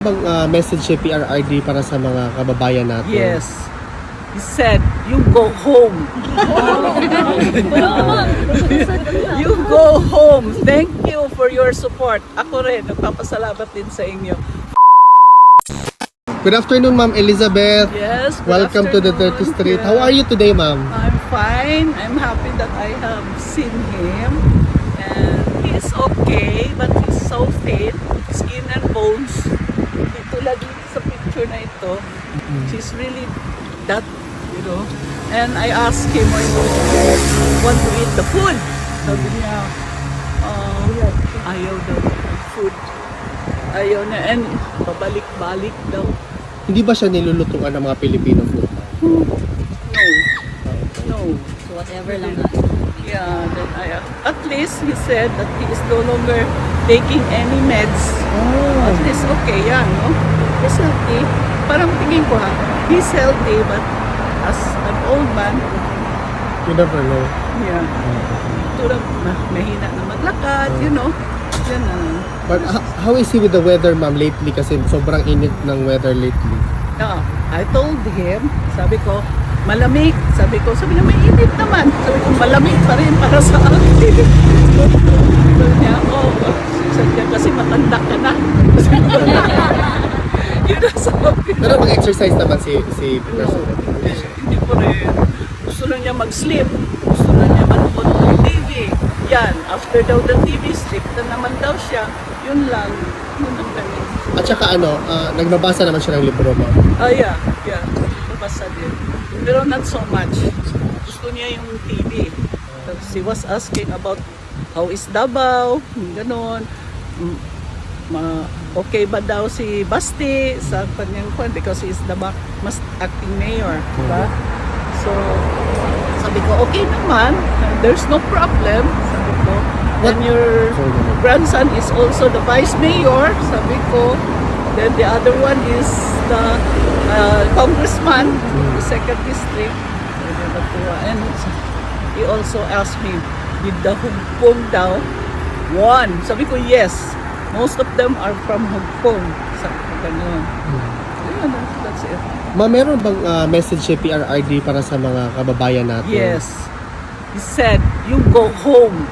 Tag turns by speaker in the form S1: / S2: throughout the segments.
S1: Bang message si PRRD para sa mga kababayan natin?
S2: Yes. He said, you go home. You go home. Thank you for your support. Ako rin, nagpapasalamat din sa inyo.
S1: Good afternoon, Ma'am Elizabeth.
S2: Yes. good
S1: Welcome to the 30th
S2: afternoon.
S1: Street.
S2: Yes.
S1: How are you today, Ma'am?
S2: I'm fine. I'm happy that I have seen him. And he's okay, but he's so thin. Skin and bones. Ito lagi sa picture na ito. She's really that, you know. And I asked him, why do you want to eat the food? Sabi niya, ayaw daw ng food. Ayaw na. And pabalik-balik daw.
S1: Hindi ba siya nilulutuan ng mga Pilipino food?
S2: No. No.
S3: So whatever lang.
S2: Yeah, then at least he said that he is no longer taking any meds. At least okay yan, no? He's healthy. Parang tingin ko he's healthy, but as an old man,
S1: You never know.
S2: yeah, tulad mahina na maglakad, you know. Yan na.
S1: But how is he with the weather, Ma'am, lately? Kasi sobrang init ng weather lately.
S2: Yeah, I told him, sabi ko, malamig. Sabi niya, may init naman. Sabi ko, malamig pa rin para sa akin. Sabi niya, sabi niya, kasi matanda ka na. Yun ang sabi niya.
S1: Pero mag-exercise naman si President.
S2: Hindi ko rin. Gusto lang niya mag-sleep. Gusto lang niya manood ng TV. Yan, after daw the TV, sleep na naman daw siya. Yun lang. Yun ang ganun.
S1: At saka nagbabasa naman siya ng libro, Ma'am.
S2: Yeah. Nabasa din. Pero not so much. Gusto niya yung TV. She was asking about how is Davao, ganon. Okay ba daw si Basti sa kanyang kwan because he is the mas acting mayor, diba? So, sabi ko, okay naman. There's no problem. Sabi ko, then your grandson is also the vice mayor. Sabi ko, then the other one is the congressman, the second district. And he also asked me, did the Hugpong daw won? Sabi ko, yes. Most of them are from Hugpong. Sabi ko, ganun. Ayun, that's it.
S1: Ma'am, meron bang message si PRRD para sa mga kababayan natin?
S2: Yes. He said, you go home.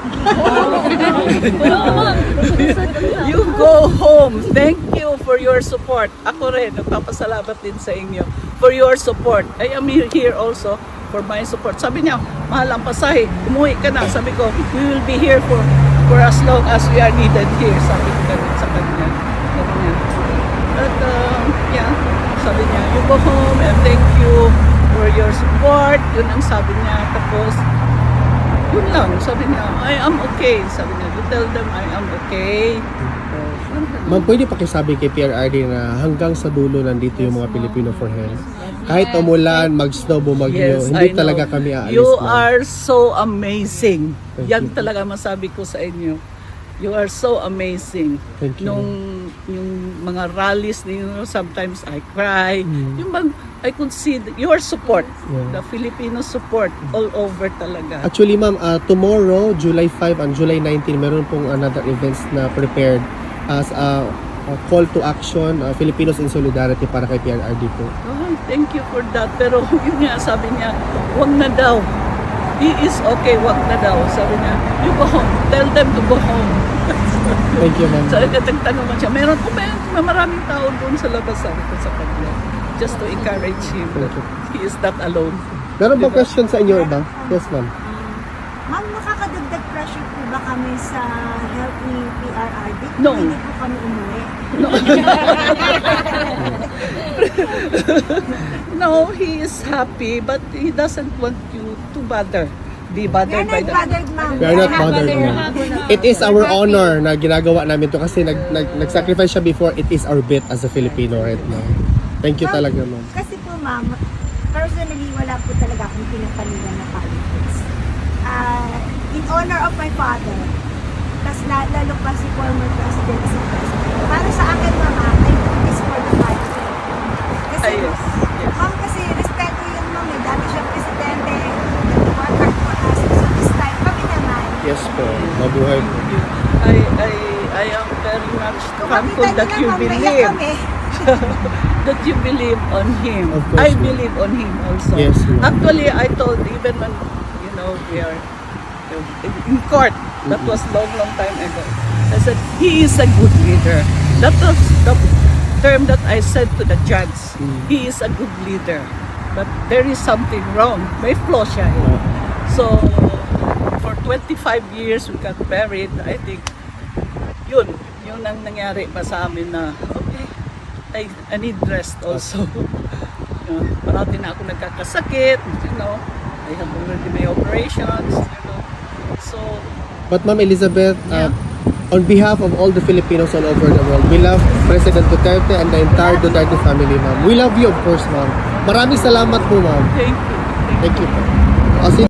S2: You go home. Thank you for your support. Ako rin, nagpapasalamat din sa inyo for your support. I am here also for my support. Sabi niya, mahal ang pasahe, umuwi ka na. Sabi ko, we will be here for as long as we are needed here. Sabi ko ganun sa kanya. But, yeah, sabi niya, you go home and thank you for your support. Yun ang sabi niya. Tapos, yun lang, sabi niya, I am okay. Sabi niya, you tell them I am okay.
S1: Ma'am, pwede pakisabi kay PRRD na hanggang sa dulo nandito yung mga Pilipino for health. Kahit umulan, mag-snow, bumagyo, hindi
S2: I know.
S1: talaga kami aalis
S2: You
S1: na.
S2: are so amazing.
S1: Thank
S2: Yan
S1: you.
S2: talaga masabi ko sa inyo. You are so amazing.
S1: Thank you.
S2: Yung mga rallies ninyo, sometimes I cry. Yung I could see your support,
S1: Yeah.
S2: the Filipino support all over talaga.
S1: Actually, Ma'am, tomorrow, July 5 and July 19, meron pong another events na prepared as a call to action, Filipinos in Solidarity para kay PRRD po.
S2: Oh, thank you for that. Pero yun nga, sabi niya, wag na daw. He is okay, wag na daw. Sabi niya, you go home. Tell them to go home.
S1: Thank you, Ma'am.
S2: So, nagtanong man siya, meron po ba maraming tao doon sa labas, sabi ko sa kanya. Just to encourage him that he is not alone.
S1: Meron ba question sa inyo ba? Yes, Ma'am.
S4: Ma'am, nakakadagdag pressure po ba kami sa health ni PRRD?
S2: No.
S4: Hindi po kami umuwi.
S2: No, he is happy, but he doesn't want you to be bothered by that.
S4: Bothered, ma'am.
S1: We are not bothered, Ma'am. It is our honor na ginagawa namin to kasi nag-sacrifice siya before. It is our bit as a Filipino right now. Thank you talaga, Ma'am.
S4: Kasi po, ma'am, personally, wala po talaga akong pinapanilan na politics. In honor of my father, tas lalo pa si former president sa president. Para sa akin, ma'am, I do this for the country. Kasi,
S2: Yes.
S4: ma'am, kasi respeto yun, ma'am. Dati siya presidente, nag-work hard for us. So this time, kami naman.
S1: Yes po. Mabuhay po.
S2: I am very much thankful that you believe. that you believe on him.
S1: Of course,
S2: I
S1: ma'am.
S2: believe on him also.
S1: Yes, ma'am.
S2: Actually, I told even when we are in court. That was long time ago. I said he is a good leader. That was the term that I said to the judge. He is a good leader, but there is something wrong. May flaw siya. So for 25 years we got married. I think yun ang nangyari pa sa amin na okay, I need rest also. Parati na ako nagkakasakit, I have already my operations, So,
S1: But Ma'am Elizabeth,
S2: Yeah.
S1: on behalf of all the Filipinos all over the world, we love President Duterte and the entire Duterte family, Ma'am. We love you, of course, Ma'am. Maraming salamat po, Ma'am.
S2: thank you.
S1: Thank you po.